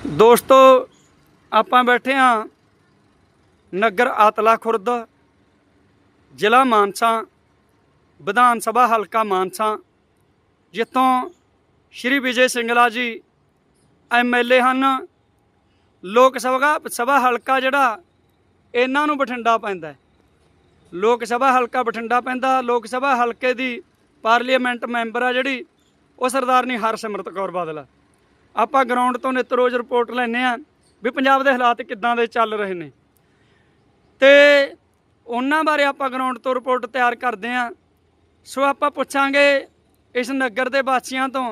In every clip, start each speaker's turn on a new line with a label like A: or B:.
A: ਦੋਸਤੋ ਆਪਾਂ ਬੈਠੇ ਹਾਂ ਨਗਰ ਆਤਲਾ ਖੁਰਦ, ਜ਼ਿਲ੍ਹਾ ਮਾਨਸਾ, ਵਿਧਾਨ ਸਭਾ ਹਲਕਾ ਮਾਨਸਾ, ਜਿੱਥੋਂ ਸ਼੍ਰੀ ਵਿਜੇ ਸਿੰਗਲਾ ਜੀ MLA ਹਨ। ਲੋਕ ਸਭਾ ਹਲਕਾ ਜਿਹੜਾ ਇਹਨਾਂ ਨੂੰ ਬਠਿੰਡਾ ਪੈਂਦਾ, ਲੋਕ ਸਭਾ ਹਲਕਾ ਬਠਿੰਡਾ ਪੈਂਦਾ। ਲੋਕ ਸਭਾ ਹਲਕੇ ਦੀ ਪਾਰਲੀਮੈਂਟ ਮੈਂਬਰ ਆ ਜਿਹੜੀ ਉਹ ਸਰਦਾਰਨੀ ਹਰਸਿਮਰਤ ਕੌਰ ਬਾਦਲ। ਆਪਾਂ ਗਰਾਊਂਡ ਤੋਂ ਨਿੱਤ ਰੋਜ਼ ਰਿਪੋਰਟ ਲੈਂਦੇ ਹਾਂ ਵੀ ਪੰਜਾਬ ਦੇ ਹਾਲਾਤ ਕਿੱਦਾਂ ਦੇ ਚੱਲ ਰਹੇ ਨੇ, ਤੇ ਉਹਨਾਂ ਬਾਰੇ ਆਪਾਂ ਗਰਾਊਂਡ ਤੋਂ ਰਿਪੋਰਟ ਤਿਆਰ ਕਰਦੇ ਹਾਂ। ਸੋ ਆਪਾਂ ਪੁੱਛਾਂਗੇ ਇਸ ਨਗਰ ਦੇ ਵਾਸੀਆਂ ਤੋਂ,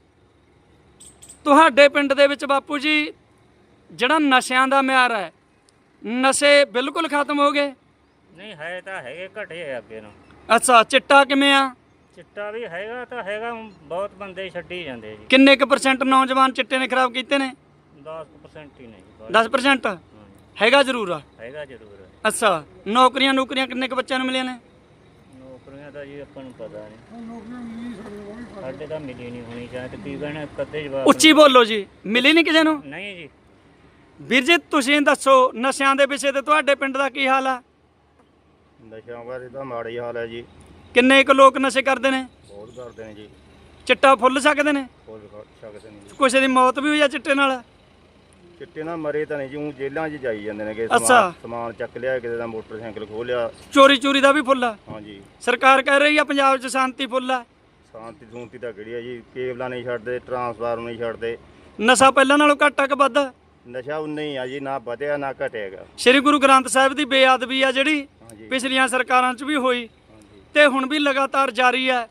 A: ਤੁਹਾਡੇ ਪਿੰਡ ਦੇ ਵਿੱਚ ਬਾਪੂ ਜੀ ਜਿਹੜਾ ਨਸ਼ਿਆਂ ਦਾ ਮਿਆਰ ਹੈ, ਨਸ਼ੇ ਬਿਲਕੁਲ ਖਤਮ ਹੋ ਗਏ?
B: ਨਹੀਂ ਹੈ ਤਾਂ ਹੈਗੇ, ਘਟੇ ਅੱਗੇ ਨੂੰ।
A: ਅੱਛਾ, ਚਿੱਟਾ ਕਿਵੇਂ ਆ?
B: ਚਿੱਟਾ ਵੀ ਹੈਗਾ ਤਾਂ ਹੈਗਾ, ਬਹੁਤ ਬੰਦੇ ਛੱਡੀ ਜਾਂਦੇ ਜੀ।
A: ਕਿੰਨੇ ਕੁ % ਨੌਜਵਾਨ ਚਿੱਟੇ ਨੇ ਖਰਾਬ ਕੀਤੇ ਨੇ?
B: 10% ਹੀ ਨਹੀਂ।
A: 10% ਹੈਗਾ ਜ਼ਰੂਰ ਆ?
B: ਹੈਗਾ ਜ਼ਰੂਰ।
A: ਅੱਛਾ, ਨੌਕਰੀਆਂ ਕਿੰਨੇ ਕੁ ਬੱਚਿਆਂ ਨੂੰ ਮਿਲੀਆਂ ਨੇ?
B: ਨੌਕਰੀਆਂ ਤਾਂ ਜੀ ਆਪਾਂ ਨੂੰ ਪਤਾ ਨਹੀਂ, ਸਾਡੇ ਤਾਂ ਮਿਲੀ ਨਹੀਂ ਹੋਣੀ ਚਾਹੀਦੀ ਤਕਰੀਬਨ ਕਦੇ ਜਵਾਬ।
A: ਉੱਚੀ ਬੋਲੋ ਜੀ। ਮਿਲੀ ਨਹੀਂ ਕਿਸੇ ਨੂੰ?
B: ਨਹੀਂ ਜੀ।
A: ਵੀਰ ਜੀ ਤੁਸੀਂ ਦੱਸੋ ਨਸ਼ਿਆਂ ਦੇ ਵਿਸ਼ੇ ਤੇ ਤੁਹਾਡੇ ਪਿੰਡ ਦਾ ਕੀ ਹਾਲ ਆ?
C: ਨਸ਼ਿਆਂ ਬਾਰੇ ਤਾਂ ਮਾੜਾ ਹੀ ਹਾਲ ਹੈ ਜੀ।
A: ਕਿੰਨੇ ਕੁ ਲੋਕ ਨਸ਼ੇ ਕਰਦੇ ਨੇ?
C: ਬਹੁਤ ਕਰਦੇ ਨੇ ਜੀ।
A: ਚਿੱਟਾ ਫੁੱਲ ਸਕਦੇ ਨੇ?
C: ਫੁੱਲ ਸਕਦੇ ਨੇ ਜੀ।
A: ਕਿਸੇ ਦੀ ਮੌਤ ਵੀ ਹੋਈ ਆ ਚਿੱਟੇ ਨਾਲ?
C: ਚਿੱਟੇ ਨਾਲ ਮਰੇ ਤਾਂ ਨਹੀਂ ਜੀ, ਉਹ ਜੇਲ੍ਹਾਂ 'ਚ ਜਾਈ ਜਾਂਦੇ ਨੇ ਕਿ
A: ਅੱਛਾ।
C: ਸਮਾਨ ਚੱਕ ਲਿਆ, ਕਿਸੇ ਦਾ ਮੋਟਰਸਾਈਕਲ ਖੋਹ ਲਿਆ।
A: ਚੋਰੀ ਦਾ ਵੀ ਫੁੱਲ ਆ?
C: ਹਾਂਜੀ।
A: ਸਰਕਾਰ ਕਹਿ ਰਹੀ ਆ ਪੰਜਾਬ 'ਚ ਸ਼ਾਂਤੀ ਫੁੱਲ ਆ।
C: ਸ਼ਾਂਤੀ ਤਾਂ ਕਿਹੜੀ ਆ ਜੀ, ਕੇਬਲਾਂ ਨਹੀਂ ਛੱਡਦੇ, ਟਰਾਂਸਫਾਰਮਰ ਨਹੀਂ ਛੱਡਦੇ।
A: ਨਸ਼ਾ ਪਹਿਲਾਂ ਨਾਲੋਂ ਘੱਟ ਆ ਕਿ ਵੱਧ?
C: ਨਸ਼ਾ ਉਨਾ ਹੀ ਆ ਜੀ, ਨਾ ਵਧਿਆ ਨਾ ਘਟਿਆਗਾ।
A: ਸ੍ਰੀ ਗੁਰੂ ਗ੍ਰੰਥ ਸਾਹਿਬ ਦੀ ਬੇਅਦਬੀ ਆ ਜਿਹੜੀ
C: ਹਾਂਜੀ।
A: ਪਿਛਲੀਆਂ ਸਰਕਾਰਾਂ 'ਚ ਵੀ ਹੋਈ
C: ਹਾਂਜੀ।
A: ਤੇ ਹੁਣ ਵੀ ਲਗਾਤਾਰ ਜਾਰੀ ਹੈ।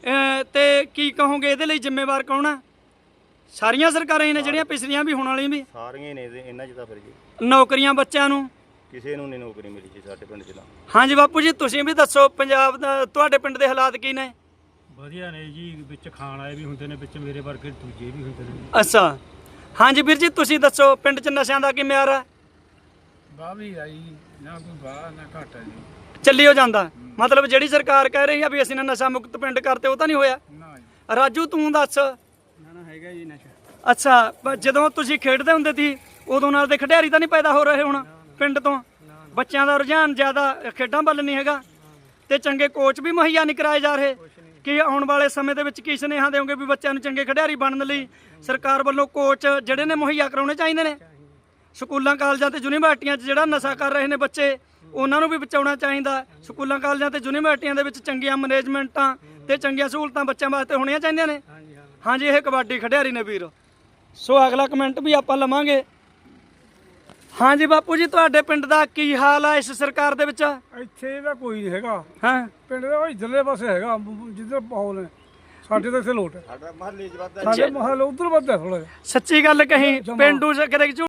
A: ਤੇ ਕੀ ਕਹੋਗੇ ਇਹਦੇ ਲਈ ਜ਼ਿੰਮੇਵਾਰ ਕੌਣ ਆ? ਸਾਰੀਆਂ ਸਰਕਾਰਾਂ ਹੀ ਨੇ ਜਿਹੜੀਆਂ ਪਿਛਲੀਆਂ ਵੀ ਹੁਣ ਵਾਲੀਆਂ ਵੀ?
C: ਸਾਰੀਆਂ ਨੇ ਇਹਨਾਂ 'ਚ ਤਾਂ ਫਿਰ ਜੀ।
A: ਨੌਕਰੀਆਂ ਬੱਚਿਆਂ ਨੂੰ
C: ਕਿਸੇ ਨੂੰ ਨਹੀਂ ਨੌਕਰੀ ਮਿਲੀ ਜੀ ਸਾਡੇ ਪਿੰਡ 'ਚ ਤਾਂ।
A: ਹਾਂਜੀ ਬਾਪੂ ਜੀ ਤੁਸੀਂ ਵੀ ਦੱਸੋ, ਪੰਜਾਬ ਦਾ ਤੁਹਾਡੇ ਪਿੰਡ ਦੇ ਹਾਲਾਤ ਕੀ ਨੇ?
D: ਵਧੀਆ ਨੇ ਜੀ, ਵਿੱਚ ਖਾਣ ਆਏ ਵੀ ਹੁੰਦੇ ਨੇ, ਵਿੱਚ ਮੇਰੇ ਵਰਗੇ ਦੂਜੇ ਵੀ ਹੁੰਦੇ ਨੇ।
A: ਅੱਛਾ, ਹਾਂਜੀ ਵੀਰ ਜੀ ਤੁਸੀਂ ਦੱਸੋ ਪਿੰਡ 'ਚ ਨਸ਼ਿਆਂ ਦਾ ਕੀ ਮਿਆਰ ਹੈ?
D: ਵਾਹ ਵੀ ਆਈ ਨਾ, ਕੋਈ ਵਾਹ ਨਾ ਘਾਟਾ ਜੀ,
A: ਚੱਲੀ ਹੋ ਜਾਂਦਾ। ਮਤਲਬ ਜਿਹੜੀ ਸਰਕਾਰ ਕਹਿ ਰਹੀ ਆ ਵੀ ਅਸੀਂ ਨਸ਼ਾ ਮੁਕਤ ਪਿੰਡ ਕਰਤੇ, ਉਹ ਤਾਂ ਨਹੀਂ ਹੋਇਆ?
D: ਨਾ ਜੀ।
A: ਰਾਜੂ ਤੂੰ ਦੱਸ।
D: ਨਾ ਹੈਗਾ ਜੀ ਨਸ਼ਾ।
A: ਅੱਛਾ, ਜਦੋਂ ਤੁਸੀਂ ਖੇਡਦੇ ਹੁੰਦੇ ਸੀ ਉਦੋਂ ਨਾਲ ਦੇ ਖਿਡਾਰੀ ਤਾਂ ਨਹੀਂ ਪੈਦਾ ਹੋ ਰਹੇ ਹੁਣ ਪਿੰਡ ਤੋਂ? ਬੱਚਿਆਂ ਦਾ ਰੁਝਾਨ ਜ਼ਿਆਦਾ ਖੇਡਾਂ ਵੱਲ ਨਹੀਂ ਹੈਗਾ, ਤੇ ਚੰਗੇ ਕੋਚ ਵੀ ਮੁਹੱਈਆ ਨਹੀਂ ਕਰਾਏ ਜਾ ਰਹੇ। ਕਿ ਆਉਣ ਵਾਲੇ ਸਮੇਂ ਦੇ ਵਿੱਚ ਕੀ ਸੁਨੇਹਾ ਦਿਓਗੇ ਵੀ ਬੱਚਿਆਂ ਨੂੰ ਚੰਗੇ ਖਿਡਾਰੀ ਬਣਨ ਲਈ ਸਰਕਾਰ ਵੱਲੋਂ ਕੋਚ ਜਿਹੜੇ ਨੇ ਮੁਹੱਈਆ ਕਰਾਉਣੇ ਚਾਹੀਦੇ ਨੇ? ਸਕੂਲਾਂ ਕਾਲਜਾਂ ਤੇ ਯੂਨੀਵਰਸਿਟੀਆਂ 'ਚ ਜਿਹੜਾ ਨਸ਼ਾ ਕਰ ਰਹੇ ਨੇ ਬੱਚੇ, ਉਹਨਾਂ ਨੂੰ ਵੀ ਬਚਾਉਣਾ ਚਾਹੀਦਾ। ਸਕੂਲਾਂ ਕਾਲਜਾਂ ਤੇ ਯੂਨੀਵਰਸਿਟੀਆਂ ਦੇ ਵਿੱਚ ਚੰਗੀਆਂ ਮੈਨੇਜਮੈਂਟਾਂ ਤੇ ਚੰਗੀਆਂ ਸਹੂਲਤਾਂ ਬੱਚਿਆਂ ਵਾਸਤੇ ਹੋਣੀਆਂ ਚਾਹੀਦੀਆਂ ਨੇ। ਹਾਂਜੀ, ਇਹ ਕਬੱਡੀ ਖਿਡਾਰੀ ਨੇ ਵੀਰ। ਸੋ ਅਗਲਾ ਕਮੈਂਟ ਵੀ ਆਪਾਂ ਲਵਾਂਗੇ। ਹਾਂਜੀ ਬਾਪੂ ਜੀ ਤੁਹਾਡੇ ਪਿੰਡ ਦਾ ਕੀ ਹਾਲ ਆ ਇਸ ਸਰਕਾਰ ਦੇ ਵਿੱਚ?
D: ਇੱਥੇ ਦਾ ਕੋਈ ਨਹੀਂ ਹੈਗਾ।
A: ਹਾਂ,
D: ਪਿੰਡ ਦਾ ਇਧਰਲੇ ਪਾਸੇ ਹੈਗਾ ਜਿੱਧਰ ਮਾਹੌਲ ਹੈ। ਸਾਡੇ ਤਾਂ ਇੱਥੇ ਲੋਟ ਹੈ। ਸਾਡੇ ਮਹੱਲੇ ਉਧਰ ਵੱਧਦਾ ਥੋੜਾ।
A: ਸੱਚੀ ਗੱਲ ਕਹੀ, ਪਿੰਡੂ ਕਦੇ